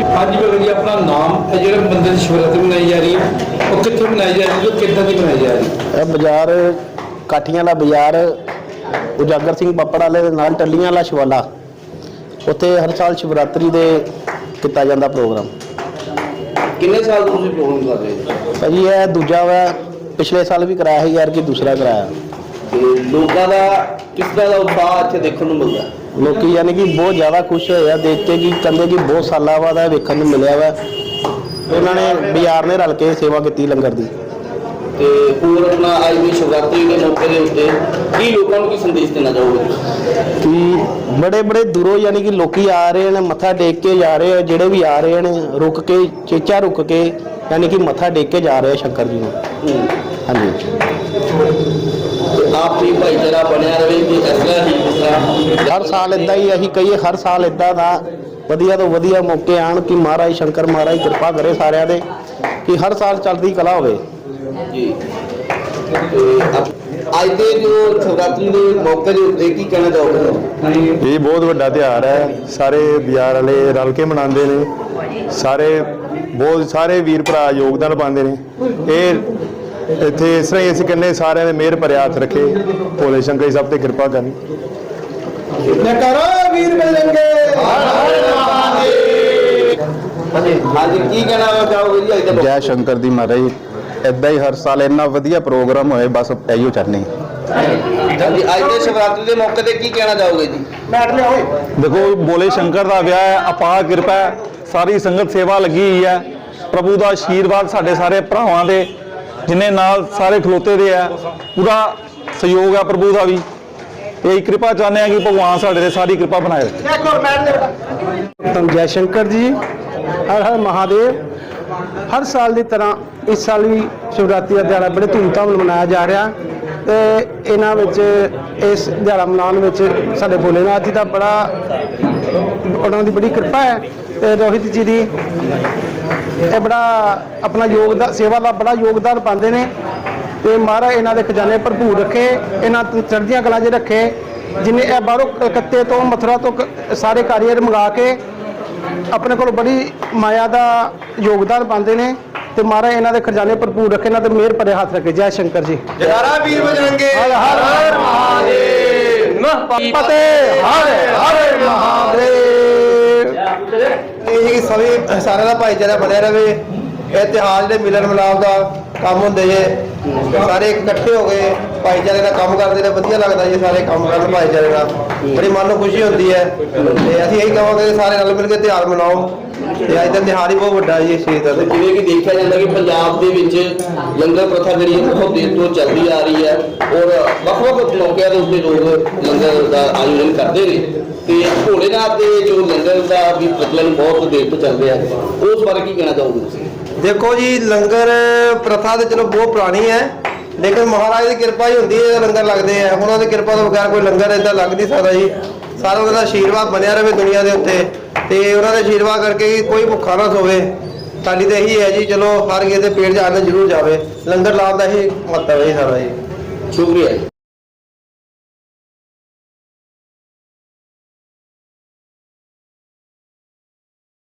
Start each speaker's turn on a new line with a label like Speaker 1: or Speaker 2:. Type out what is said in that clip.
Speaker 1: हाँ जी भगत जी, अपना नाम जो मंदिर शिवरात्रि मनाई जा रही है वो कितने मनाई जा रही है, कितना की मनाई जा रही है?
Speaker 2: बाजार काठियां का बाजार उजागर सिंह पप्पड़ वाले दे नाल टल्लियां वाला शिवाला उत्थे हर साल शिवरात्रि दे किया जाता प्रोग्राम।
Speaker 3: किन्ने साल तो तुसीं प्रोग्राम कर रहे हो?
Speaker 2: भाजी यह दूजा वा, पिछले साल भी कराया है यार कि दूसरा कराया।
Speaker 3: लोगों का किस तरह का उत्साह इत्थे देखने को मिलता है?
Speaker 2: लोग यानी कि बहुत ज़्यादा खुश होया देख के कि कहते कि बहुत साल बाद वेखण नूं मिलिया वा। उन्होंने बाजार ने रल के सेवा की लंगर की।
Speaker 3: होर अपना अज भी शिवरात्रि के मौके के उत्ते की लोगों को संदेश देना चाहोगे
Speaker 2: कि बड़े बड़े दूरों यानी कि लोग आ रहे हैं मत्था टेक के जा रहे हैं, जोड़े भी आ रहे हैं रुक के चेचा रुक के यानी कि मत्था टेक के जा रहे हैं शंकर जी को। हाँ जी,
Speaker 3: आप भी भाईचारा बनया रहे कि इस तरह ही जिस तरह
Speaker 2: हर साल इदा ही अं कही हर साल इदा का वधिया तो वधिया मौके आन कि महाराज शंकर महाराज कृपा करे सारिਆਂ ਦੇ कि हर साल चलती कला हो।
Speaker 3: जी ਅੱਜ ਦੇ ਜੋ शिवरात्रि के मौके के उत्ते की कहना चाहोगे?
Speaker 4: ये बहुत बड़ा त्यौहार है, सारे बाजार वाले रल के मनाते हैं, सारे वीर भरा योगदान पाते हैं। ये इत्थे इस तरह ही असीं कहने सारे ने मेहर भरे हथ रखे, भोले शंकर जी सब ते कृपा करनी।
Speaker 3: हाँ जी, की कहना चाहोगे जी? अज
Speaker 5: जय शंकर दी महाराज, इदा ही हर साल इन्ना वधिया प्रोग्राम होए, बस इहो चाहते हैं।
Speaker 3: हाँ जी, अज के शिवरात्रि के मौके पर की कहना चाहोगे जी?
Speaker 4: देखो भोले शंकर का विआह है, अपार कृपा है, सारी संगत सेवा लगी हुई है, प्रभु का आशीर्वाद साढ़े सारे भरावां दे जिन्हें नाल सारे खलोते दे है, पूरा सहयोग है प्रभु का भी। यही कृपा चाहते हैं कि भगवान साढ़े ते सारी कृपा बनाए रखे।
Speaker 2: जय शंकर जी, हर हर महादेव। हर साल की तरह इस साल भी शिवरात्रि का दिहाड़ा बड़े धूमधाम मनाया जा रहा तो इन्हां विच इस दिहाड़ा मनाउण विच साडे भोलेनाथ जी का बड़ा उन्हां दी बड़ी कृपा है ते रोहित जी दी बड़ा अपना योगदान सेवा का बड़ा योगदान पाते हैं तो महाराज इन्हां दे खजाने भरपूर रखे, इन्हां चढ़दियां कलां 'च रखे। जिन्हें बाहरों कलकत्ते तो मथुरा तो सारे कारीगर मंगा के अपने को बड़ी माया का योगदान पाते हैं तो महाराज इन्हां दे खजाने भरपूर रखे, इन्हां दे मेहर भरे हाथ रखे। जय शंकर जी,
Speaker 3: जयकारा वीर बजरंगे,
Speaker 2: हर हर
Speaker 3: महादेव,
Speaker 2: फतेह, हर हर महादेव।
Speaker 6: यही सभी सारे का भाईचारा बनया रहे। इतिहास जो मिलन मिलाप का काम होंगे जे सारे इकट्ठे हो गए भाईचारे का काम करते हैं, वधिया लगता जी सारे काम कर भाईचारे का, बड़ी मन को खुशी होती है। असं यही कहेंगे सारे रल मिल के त्यौहार मनाओ। अज का त्यौहार ही बहुत बड़ा जी इस चीज़ का।
Speaker 3: जिवें कि देखा जाता कि पंजाब दे विच लंगर प्रथा जी बहुत देर तो चलती आ रही है और ਵੱਖ-ਵੱਖ मौकों के उत्ते लोग लंगर का आयोजन करते हैं तो भोलेनाथ के जो लंगर का भी प्रचलन बहुत देर तो चल रहा है, उस बारे की कहना चाहोगे?
Speaker 6: देखो जी, लंगर प्रथा तो चलो बहुत पुरानी है, लेकिन महाराज की कृपा ही होती है लंगर लगते हैं। उन्होंने कृपा तो बगैर कोई लंगर इदा लग नहीं सकता जी। सारा उनका आशीर्वाद बनया रहे दुनिया के उत्ते ते उन्होंने आशीर्वाद करके कोई भुखा ना सोवे। साडी तो यही है जी, चलो हर किसी के पेट जाने जरूर जाए, लंगर लाने का ही मतलब है सारा जी।
Speaker 3: शुक्रिया।